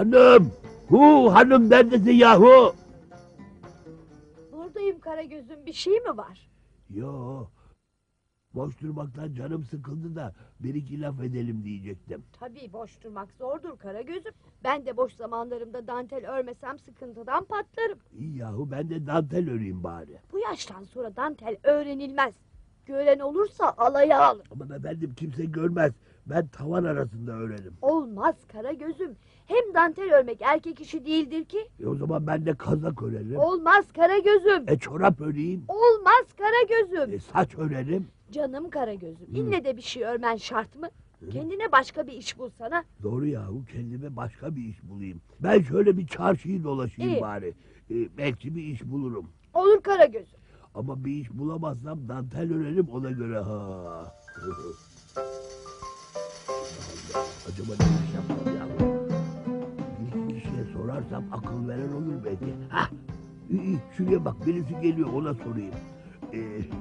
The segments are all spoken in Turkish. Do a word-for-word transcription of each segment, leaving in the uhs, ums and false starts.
Hanım! Hu hanım neredesin yahu? Buradayım Karagöz'üm, bir şey mi var? Yo. Boş durmaktan canım sıkıldı da bir iki laf edelim diyecektim. Tabii boş durmak zordur Karagöz'üm. Ben de boş zamanlarımda dantel örmesem sıkıntıdan patlarım. İyi yahu ben de dantel öreyim bari. Bu yaştan sonra dantel öğrenilmez. Gören olursa alaya alır. Aman efendim kimse görmez. Ben tavan arasında örerim. Olmaz Karagöz'üm. Hem dantel örmek erkek işi değildir ki. E o zaman ben de kazak örerim. Olmaz Karagöz'üm. E çorap öreyim. Olmaz Karagöz'üm. E saç örerim. Canım Karagöz'üm. Hı. İlle de bir şey örmen şart mı? Hı. Kendine başka bir iş bulsana. Doğru yahu kendime başka bir iş bulayım. Ben şöyle bir çarşıyı dolaşayım İyi. bari. E, belki bir iş bulurum. Olur Karagöz'üm. Ama bir iş bulamazsam dantel örerim ona göre ha. Acaba ne iş yapsam ya? Bir iki kişiye sorarsam akıl veren olur belki. Hah! İyi, iyi, şuraya bak birisi geliyor ona sorayım. Ee,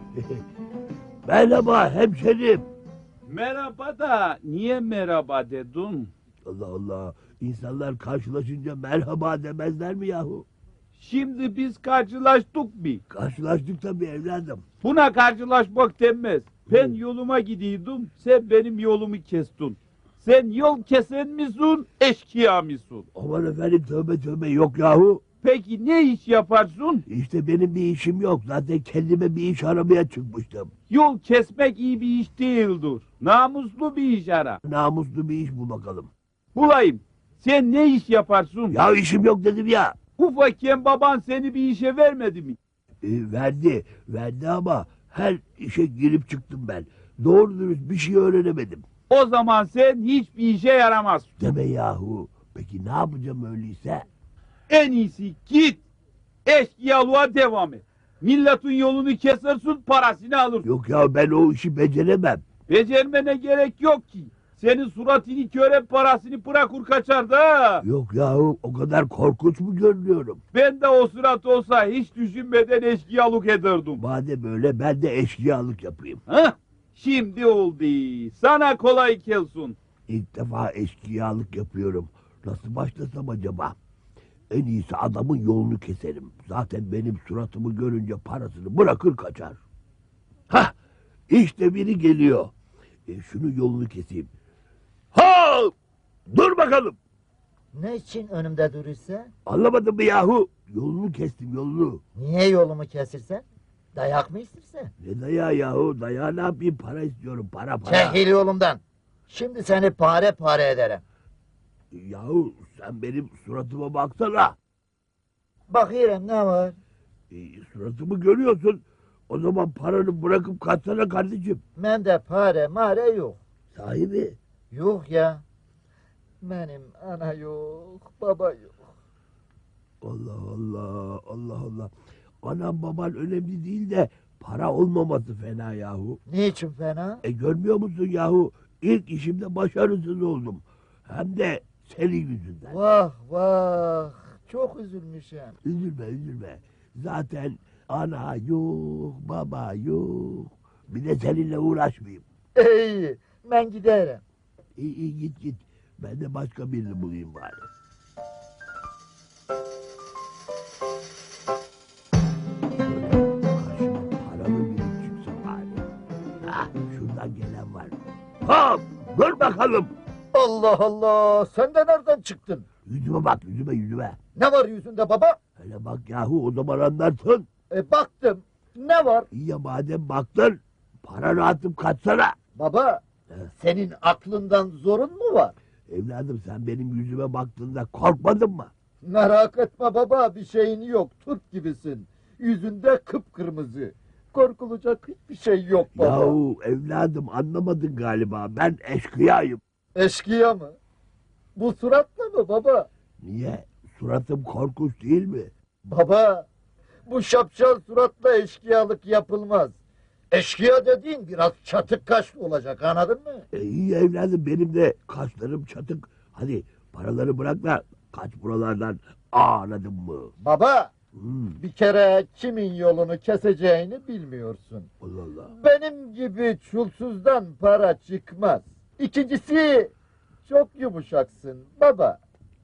merhaba hemşerim. Merhaba da niye merhaba dedin? Allah Allah. İnsanlar karşılaşınca merhaba demezler mi yahu? Şimdi biz karşılaştık bir. Karşılaştık tabii evladım. Buna karşılaşmak denmez. Ben yoluma gidiyordum, sen benim yolumu kestin. Sen yol kesen misin, eşkıya mısın? Aman efendim tövbe tövbe yok yahu. Peki ne iş yaparsın? İşte benim bir işim yok. Zaten kendime bir iş aramaya çıkmıştım. Yol kesmek iyi bir iş değildir. Namuslu bir iş ara. Namuslu bir iş bul bakalım. Bulayım. Sen ne iş yaparsın? Ya işim yok dedim ya. Ufakken baban seni bir işe vermedi mi? E, verdi. Verdi ama her işe girip çıktım ben. Doğru dürüst bir şey öğrenemedim. O zaman sen hiçbir işe yaramazsın. Deme yahu. Peki ne yapacağım öyleyse? En iyisi git eşkıyalığa devam et. Milletin yolunu kesersin, parasını alırsın. Yok ya ben o işi beceremem. Becermene gerek yok ki. Senin suratını köre parasını bırakır kaçar da. Yok yahu o kadar korkunç mu görünüyorum? Ben de o surat olsa hiç düşünmeden eşkıyalık ederdim. Madem öyle ben de eşkıyalık yapayım. Hah, şimdi oldu. Sana kolay gelsin. İlk defa eşkıyalık yapıyorum. Nasıl başlasam acaba? En iyisi adamın yolunu keserim. Zaten benim suratımı görünce parasını bırakır kaçar. Hah! İşte biri geliyor. E, şunu yolunu keseyim. Ha! Dur bakalım. Ne için önümde durursa? Anlamadın mı yahu? Yolunu kestim yolunu. Niye yolumu kesirsen? Dayak mı istersen? Ne dayağı yahu? Dayağı ne yapayım? Para istiyorum. Para para. Çekil yolumdan. Şimdi seni pare pare ederim. Yahu sen benim suratıma baksana. Bakıyorum ne var? E, suratımı görüyorsun. O zaman paranı bırakıp kaçsana kardeşim. Bende pare mare yok. Sahibi. Yok ya. Benim ana yok, baba yok. Allah Allah, Allah Allah. Anam baban önemli değil de para olmaması fena yahu. Niçin fena? E görmüyor musun yahu? İlk işimde başarısız oldum. Hem de senin yüzünden. Vah vah. Çok üzülmüşüm. Üzülme üzülme. Zaten ana yok, baba yok. Bir de seninle uğraşmayayım. İyi, ben giderim. İyi iyi git git. Ben de başka birini bulayım bari. Şöyle karşıma paralı biri çıksın bari. Hah şuradan gelen var. Hop dur bakalım. Allah Allah, sen de nereden çıktın? Yüzüme bak yüzüme yüzüme. Ne var yüzünde baba? Hele bak yahu o zaman anlarsın. E baktım. Ne var? İyi ya madem baktın paranı atıp kaçsana. Baba, senin aklından zorun mu var? Evladım sen benim yüzüme baktığında korkmadın mı? Merak etme baba, bir şeyin yok, Türk gibisin. Yüzünde kıpkırmızı. Korkulacak hiçbir şey yok baba. Yahu evladım anlamadın galiba ben eşkıyayım. Eşkıya mı? Bu suratla mı baba? Niye? Suratım korkunç değil mi? Baba, bu şapşal suratla eşkıyalık yapılmaz. Eşkıya dediğin biraz çatık kaşlı olacak, anladın mı? E, iyi evladım benim de kaşlarım çatık. Hadi paraları bırak da kaç buralardan anladın mı? Baba, Hmm, bir kere kimin yolunu keseceğini bilmiyorsun. Allah Allah. Benim gibi çulsuzdan para çıkmaz. İkincisi, çok yumuşaksın baba.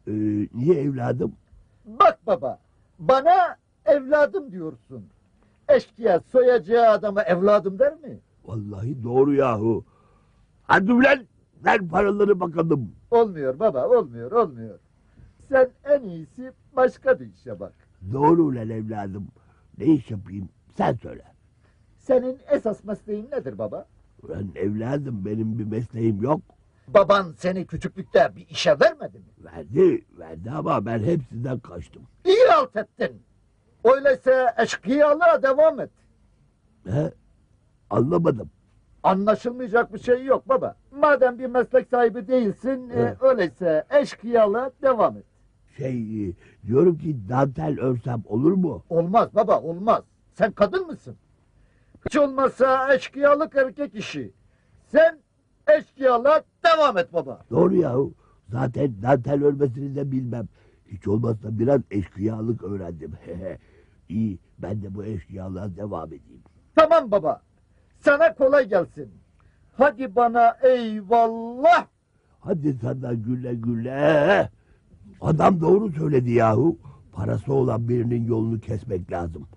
Ee, niye evladım? Bak baba, bana evladım diyorsun. Eşkıya soyacağı adama evladım der mi? Vallahi doğru yahu. Hadi ulan ver paraları bakalım. Olmuyor baba, olmuyor, olmuyor. Sen en iyisi başka bir işe bak. Doğru ulan evladım. Ne iş yapayım sen söyle. Senin esas mesleğin nedir baba? Ulan evladım benim bir mesleğim yok. Baban seni küçüklükte bir işe vermedi mi? Verdi, verdi ama ben hepsinden kaçtım. İyi halt ettin. Öyleyse eşkıyalığa devam et. He? Anlamadım. Anlaşılmayacak bir şey yok baba. Madem bir meslek sahibi değilsin, e, Evet. öyleyse eşkıyalığa devam et. Şey, e, diyorum ki dantel örsem olur mu? Olmaz baba, olmaz. Sen kadın mısın? Hiç olmazsa eşkıyalık erkek işi. Sen eşkıyalığa devam et baba. Doğru yahu. Zaten dantel örmesini de bilmem. Hiç olmazsa biraz eşkıyalık öğrendim. İyi, ben de bu eşkıyalığa devam edeyim. Tamam baba. Sana kolay gelsin. Hadi bana eyvallah. Hadi sana güle güle. Adam doğru söyledi yahu. Parası olan birinin yolunu kesmek lazım.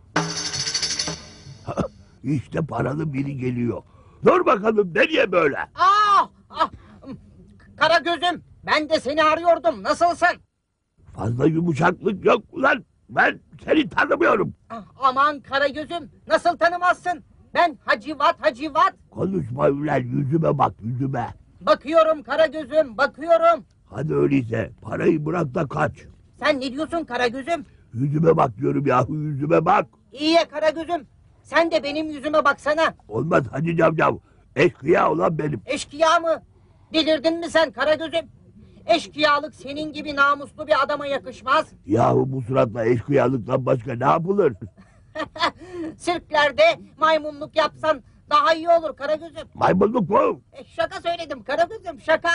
İşte paralı biri geliyor. Dur bakalım nereye böyle? Ah, ah, kara gözüm, ben de seni arıyordum. Nasılsın? Fazla yumuşaklık yok ulan. Ben seni tanımıyorum. Ah, aman kara gözüm, nasıl tanımazsın? Ben Hacivat Hacivat. Konuşma ulan yüzüme bak yüzüme. Bakıyorum kara gözüm, bakıyorum. Hadi öyleyse parayı bırak da kaç. Sen ne diyorsun kara gözüm? Yüzüme bak diyorum yahu yüzüme bak. İyi ya kara gözüm. Sen de benim yüzüme baksana. Olmaz hadi camcav. Eşkıya olan benim. Eşkıya mı? Delirdin mi sen kara gözüm? Eşkıyalık senin gibi namuslu bir adama yakışmaz. Yahu bu suratla eşkıyalıktan başka ne yapılır? Sirklerde maymunluk yapsan daha iyi olur kara gözüm. Maymunluk mu? E, şaka söyledim Karagöz'üm şaka.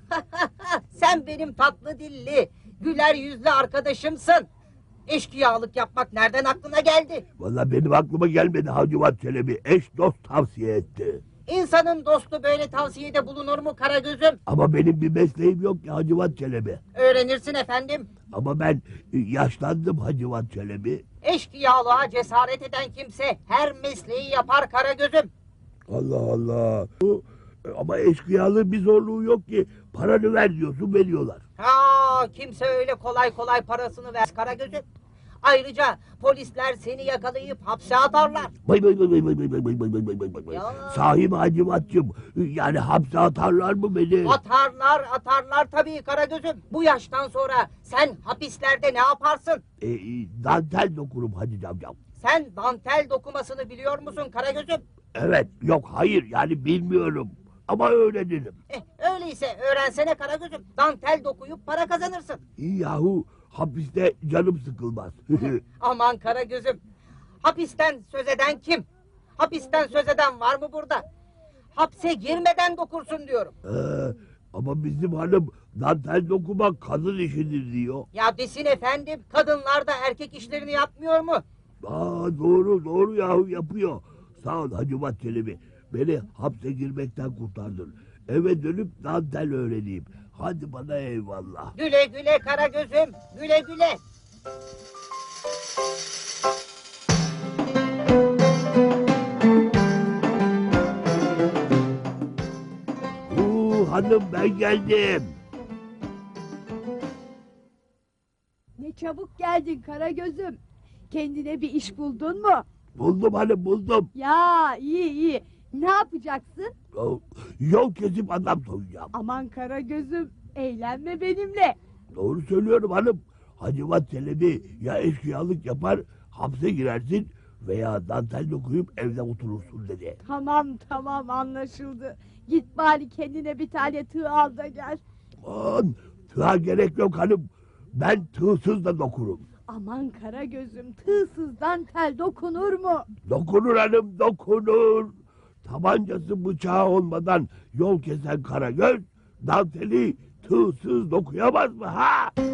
Sen benim tatlı dilli, güler yüzlü arkadaşımsın. Eşkıyalık yapmak nereden aklına geldi? Valla benim aklıma gelmedi Hacivat Çelebi. Eş dost tavsiye etti. İnsanın dostu böyle tavsiyede bulunur mu Karagöz'üm? Ama benim bir mesleğim yok ki Hacivat Çelebi. Öğrenirsin efendim. Ama ben e, yaşlandım Hacivat Çelebi. Eşkıyalığa cesaret eden kimse her mesleği yapar Karagöz'üm. Allah Allah. Bu, e, ama eşkıyalığın bir zorluğu yok ki. Paranı ver diyorsun veriyorlar. Ha, kimse öyle kolay kolay parasını ver Karagöz'üm. Ayrıca polisler seni yakalayıp hapse atarlar. Bay bay bay bay bay bay bay bay bay bay bay bay bay. Ya. Sahi mi Hacivat'cığım? Yani hapse atarlar mı beni? Atarlar, atarlar tabii Karagöz'üm. Bu yaştan sonra sen hapislerde ne yaparsın? E, e, dantel dokurum Hacı camcam. Sen dantel dokumasını biliyor musun Karagöz'üm? Evet, yok hayır yani bilmiyorum. Ama öğrenirim. Eh, öyleyse öğrensene Karagöz'üm. Dantel dokuyup para kazanırsın. İyi yahu hapiste canım sıkılmaz. Aman Karagöz'üm. Hapisten söz eden kim? Hapisten söz eden var mı burada? Hapse girmeden dokursun diyorum. Ee, ama bizim hanım dantel dokumak kadın işidir diyor. Ya desin efendim, kadınlar da erkek işlerini yapmıyor mu? Aa, doğru doğru yahu yapıyor. Sağ ol Hacivat Çelebi. Beni hapse girmekten kurtardın. Eve dönüp dantel öğreneyim. Hadi bana eyvallah. Güle güle Karagöz'üm, güle güle. Oo, hanım ben geldim. Ne çabuk geldin Karagöz'üm. Kendine bir iş buldun mu? Buldum hanım buldum. Ya iyi iyi. Ne yapacaksın? Yol- Yol kesip adam soyacağım. Aman Karagöz'üm, eğlenme benimle. Doğru söylüyorum hanım. Hacivat Çelebi ya eşkıyalık yapar hapse girersin veya dantel dokuyup evde oturursun dedi. Tamam tamam anlaşıldı. Git bari kendine bir tane tığ al da gel. Aman tığa gerek yok hanım. Ben tığsız da dokurum. Aman Karagöz'üm, tığsızdan tel dokunur mu? Dokunur hanım dokunur. Tabancası bıçağı olmadan yol kesen Karagöz danteli tığsız dokuyamaz mı ha?